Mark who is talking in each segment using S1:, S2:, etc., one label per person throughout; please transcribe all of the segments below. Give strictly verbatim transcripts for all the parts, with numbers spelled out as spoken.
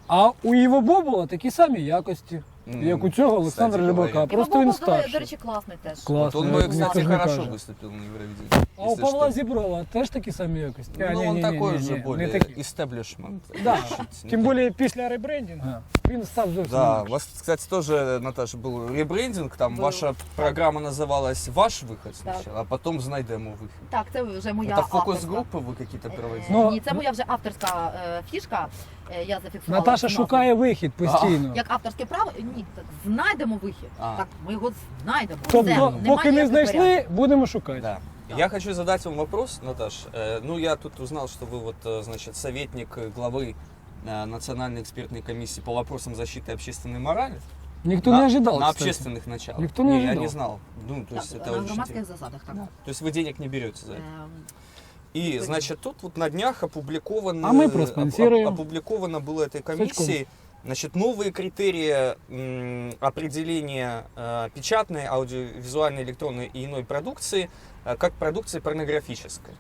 S1: А у Іво Бобола такі самі якості, mm. як у цього Олександра Рибака. Просто він старший.
S2: До речі, класний теж.
S1: Классный,
S3: вот он, кстати, хорошо
S1: каже.
S3: выступил на Евровидении.
S1: А у Павла Зіброва теж такі самі якості?
S3: Ну,
S1: а,
S3: он
S1: не, не,
S3: такой
S1: не,
S3: же
S1: не,
S3: более
S1: не такі.
S3: истеблишмент.
S1: Да. Тим більше після ребрендингу він став зовсім
S3: Да, у
S1: інакшим.
S3: вас, кстати, тоже, Наташа, был ребрендинг, там
S2: Был.
S3: ваша программа называлась «Ваш выход»
S2: Так.
S3: сначала, а потом «Знайдемо выход».
S2: Так, це вже моя
S3: Это
S2: авторська.
S3: фокус-группы вы какие-то проводили?
S1: Ну,
S2: Ні, це моя вже авторська е, фішка. Е, я зафіксувала.
S1: Наташа
S2: назву.
S1: шукає вихід постійно.
S2: Як авторське право, ні, так, знайдемо вихід.
S3: А.
S2: Так, ми його знайдемо.
S1: Тобто,
S2: Все,
S1: поки
S2: немає
S1: не
S2: ніяких
S1: знайшли,
S2: варіантів.
S1: будемо шукати.
S3: Да. Я хочу задать вам вопрос, Наташ. Э, Ну, я тут узнал, что вы вот, э, значит, советник главы э, Национальной экспертной комиссии по вопросам защиты общественной морали.
S1: Ніхто
S3: на,
S1: не ожидав,
S3: На
S1: кстати.
S3: общественных началах.
S1: Никто не
S3: Я
S1: ожидал.
S3: не знал. Ну, то есть
S2: Так,
S3: это
S2: на
S3: очень
S2: громадських
S3: интересно.
S2: засадах, так.
S3: Да. То есть вы денег не берете за это.
S2: Ем,
S3: И, значит, тут вот на днях опубликовано,
S1: А мы проспонсируем.
S3: оп- опубликовано было этой комиссией, значит, новые критерии м, определения э, печатной, аудиовизуальной, электронной и иной продукции э, как продукции порнографической.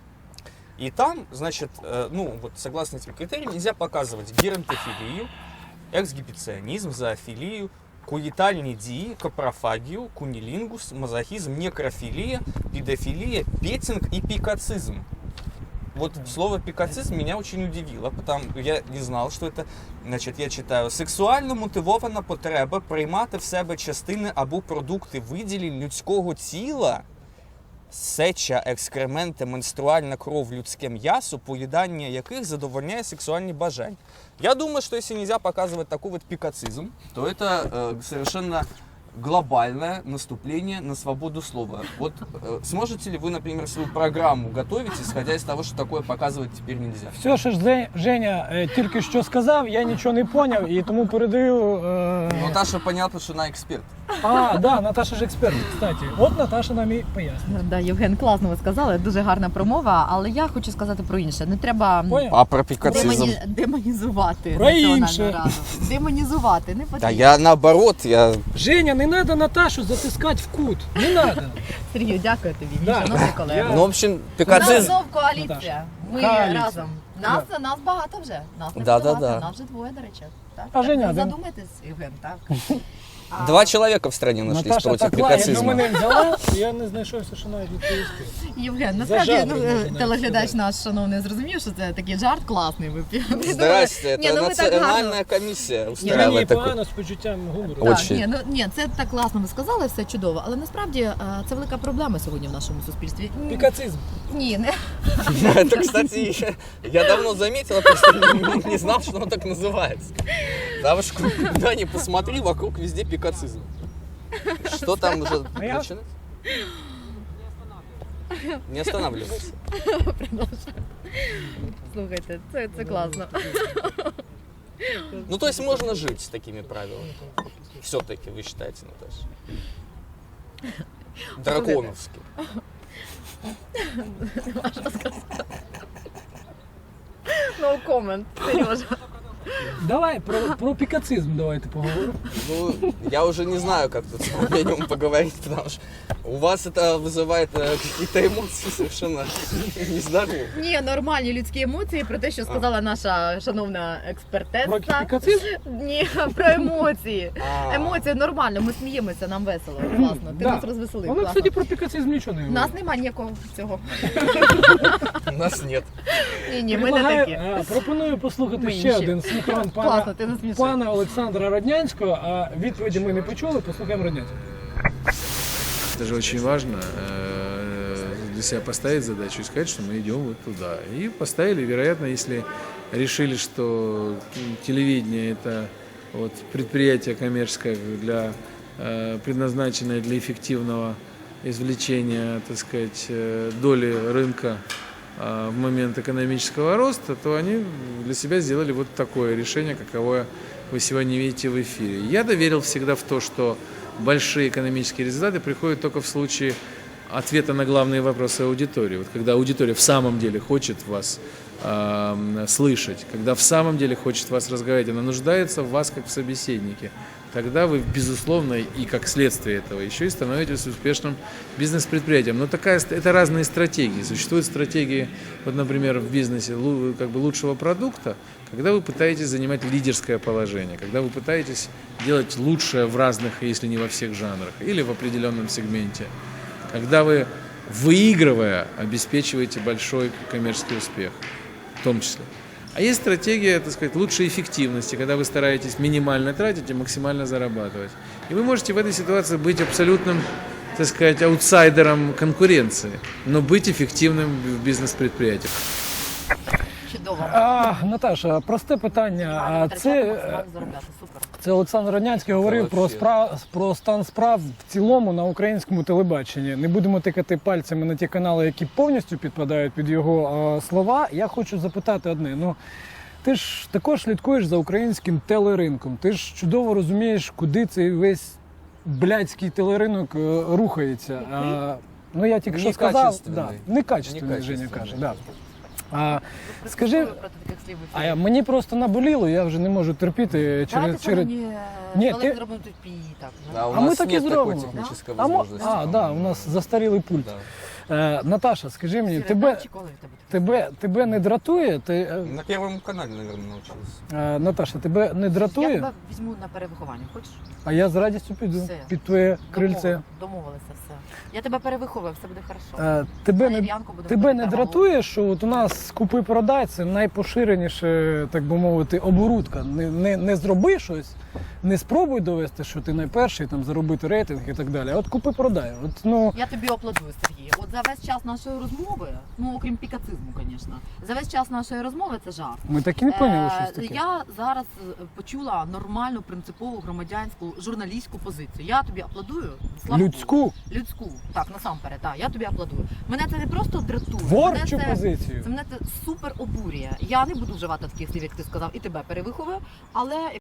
S3: И там, значит, э, ну, вот согласно этим критериям, нельзя показывать геронтофилию, эксгибиционизм, зоофилию, куетальнидии, капрофагию, кунилингус, мазохизм, некрофилия, педофилия, петинг и пикацизм. Вот слово пикацизм меня очень удивило, потому я не знал, что это, значить, я читаю, сексуально мотивована потреба приймати в себе частини або продукти виділень людського тіла, сеча, екскременти, менструальна кров, людське м'ясо, поїдання яких задовольняє сексуальні бажання. Я думаю, что если нельзя показывать такой вот пикацизм, то это э, совершенно глобальное наступление на свободу слова. Вот э, сможете ли вы, например, свою программу готовить, исходя из того, что такое показывать теперь нельзя?
S1: Все, що ж Зе- Женя е, тільки що сказав, я нічого не поняв і тому передаю... Е...
S3: Наташа понятно, что она эксперт.
S1: А, да, Наташа ж експерт, кстати. От Наташа нам і пояснює.
S2: Да, Євген, класно ви сказали, дуже гарна промова, але я хочу сказати про інше. Не треба
S1: Поняв?
S3: А про пикацизм?
S2: демоні... демонізувати
S1: Про
S2: Національну
S1: інше.
S2: раду. Демонізувати, не потрібно.
S3: Да я наоборот, я...
S1: Женя, не треба Наташу затискати в кут. Не треба.
S2: Сергію, дякую тобі, мій
S1: Да.
S2: шановний колега.
S3: Ну, в общем,
S2: У нас
S3: пикацизм...
S2: знов коаліція. Ми
S1: Коаліція.
S2: разом. Нас, нас багато вже. Нас не
S3: Да, да,
S2: багато.
S3: да.
S2: Нас вже двоє, до речі. Так,
S1: А
S2: так,
S1: Женя
S2: ви
S1: один.
S2: задумайтесь, Євген, так. А,
S3: Два человека в стране нашлись
S1: Наташа
S3: против
S1: так лає, до
S3: пикацизма.
S1: мене взяла, я не знайшовся, що навіть відповісти.
S2: Євген, насправді
S1: Зажав,
S2: ну,
S1: можна навіть
S2: телеглядач
S1: сказати.
S2: наш шановний зрозумів, що це такий жарт класний. Ви
S3: Здрасте,
S2: Ні,
S3: это
S2: ну ви так гарно.
S3: национальная комиссия
S1: Мені
S3: устраивает такой.
S1: погано з почуттям гумору.
S2: Так,
S3: Очень.
S2: ні, ну ні, це так класно ви сказали, все чудово, але насправді е, це велика проблема сьогодні в нашому суспільстві. Ні,
S1: Пікацизм.
S2: Ні, не
S3: Это, кстати, я давно заметил, просто не- не знал, что оно так называется. Потому что куда ни посмотри, вокруг везде пикацизм. Что там уже
S1: А я-
S3: начинать? Не останавливайся.
S2: слухайте, це, це класно.
S3: Ну, то есть можно жить с такими правилами. Все-таки, вы считаете, Наташа? Драконовски.
S2: No comment, Сережа.
S1: Давай про, про пікацизм давайте поговоримо.
S3: Ну, я уже не знаю, как тут о нем поговорить, потому что у вас это вызывает э, какие-то эмоции совершенно нездоровые.
S2: Ні, нормальні людські емоції про те, що сказала наша шановна
S1: Про
S2: експертеса.
S1: пікацизм?
S2: Ні, про емоції.
S3: А.
S2: Емоції нормально, ми сміємося, нам весело, класно. Ти
S1: Да.
S2: нас розвеселив.
S1: Вона,
S2: класно.
S1: кстати, про пікацизм нічого не
S2: У
S1: говорить.
S2: нас немає ніякого цього.
S3: У нас нет.
S2: Ні, ні, ми не
S1: Предлагаю,
S2: такі.
S1: е, пропоную послухати
S2: Ми
S1: ще
S2: інші.
S1: один синхрон
S2: Класно,
S1: пана,
S2: ти насмішив.
S1: пана Олександра Роднянського, а відповіді ми не почули, послухаємо Роднянського.
S4: Это же очень важно э, для себя поставить задачу и сказать, что мы идем вот туда. И поставили, вероятно, если решили, что телевидение это вот предприятие коммерческое, для, э, предназначенное для эффективного извлечения, так сказать, э, доли рынка э, в момент экономического роста, то они для себя сделали вот такое решение, каковое вы сегодня видите в эфире. Я доверил всегда в то, что большие экономические результаты приходят только в случае ответа на главные вопросы аудитории. Вот когда аудитория в самом деле хочет вас э, слышать, когда в самом деле хочет вас разговаривать, она нуждается в вас как в собеседнике, тогда вы, безусловно, и как следствие этого еще и становитесь успешным бизнес-предприятием. Но такая, это разные стратегии. Существуют стратегии, вот, например, в бизнесе лу- как бы лучшего продукта, когда вы пытаетесь занимать лидерское положение, когда вы пытаетесь делать лучшее в разных, если не во всех жанрах, или в определенном сегменте, когда вы, выигрывая, обеспечиваете большой коммерческий успех, в том числе. А есть стратегия, так сказать, лучшей эффективности, когда вы стараетесь минимально тратить и максимально зарабатывать. И вы можете в этой ситуации быть абсолютным, так сказать, аутсайдером конкуренции, но быть эффективным в бизнес-предприятии.
S2: Чудово.
S1: А, Наташа, просте питання. А
S2: Витрачати,
S1: це,
S2: максимально заробляти. Супер.
S1: це Олександр Роднянський говорив про,
S3: вообще.
S1: справ, про стан справ в цілому на українському телебаченні. Не будемо тикати пальцями на ті канали, які повністю підпадають під його а, слова. Я хочу запитати одне. Ну, ти ж також слідкуєш за українським телеринком. Ти ж чудово розумієш, куди цей весь блядський телеринок е, рухається. А, ну, я тільки що сказав.
S3: Некачественний.
S1: Да, некачественний, Женя каже. Да. А, скажи,
S2: Проти таких слів в
S1: а
S2: ефірі.
S1: я, мені просто наболіло, я вже не можу терпіти через...
S2: Давайте
S1: через...
S2: мені
S1: Ні,
S2: Олег
S1: ти-
S2: зробимо тут пі, так.
S3: Да, у
S1: А мы
S3: нас
S1: так и
S3: нет такой
S1: сделаем.
S3: технической
S1: А, мо-
S3: возможности.
S1: а, да, у нас застарілий пульт.
S3: Да.
S1: Е, Наташа, скажи мені,
S2: Сіре,
S1: тебе,
S2: чи коли в тебе таке?
S1: тебе, тебе не дратує? Ти, е,
S3: На Первом канале, наверное, научился.
S1: е, Наташа, тебе не
S2: Я
S1: дратує?
S2: тебе візьму на перевиховання, хочеш?
S1: А я з радістю піду
S2: Все.
S1: під твоє крильце.
S2: Домовилися, домовилися все. Я тебе перевиховую, все буде хорошо.
S1: Е, тебе
S2: А
S1: не,
S2: Ів'янку будемо
S1: тебе не
S2: робити
S1: дратує, що от у нас купи-продай це найпоширеніше, так би мовити, оборудка. Не, не, не зроби щось, не спробуй довести, що ти найперший, там, заробити рейтинг і так далі. А от купи-продай. От, ну,
S2: Я тобі аплодую, Сергій. От за весь час нашої розмови, ну окрім пікацизму, звісно, за весь час нашої розмови це жарт.
S1: ми так і не поняли,
S2: Е,
S1: що це таке.
S2: Я зараз е, почула нормальну принципову громадянську журналістську позицію. Я тобі аплодую. Слава Богу.
S1: Людську,
S2: Людську. Так, насамперед, так, я тобі аплодую. Мене це не просто дратує.
S1: творчу
S2: мене це,
S1: позицію.
S2: це мене це супер обурює. Я не буду вживати таких слів, як ти сказав, і тебе перевиховую, але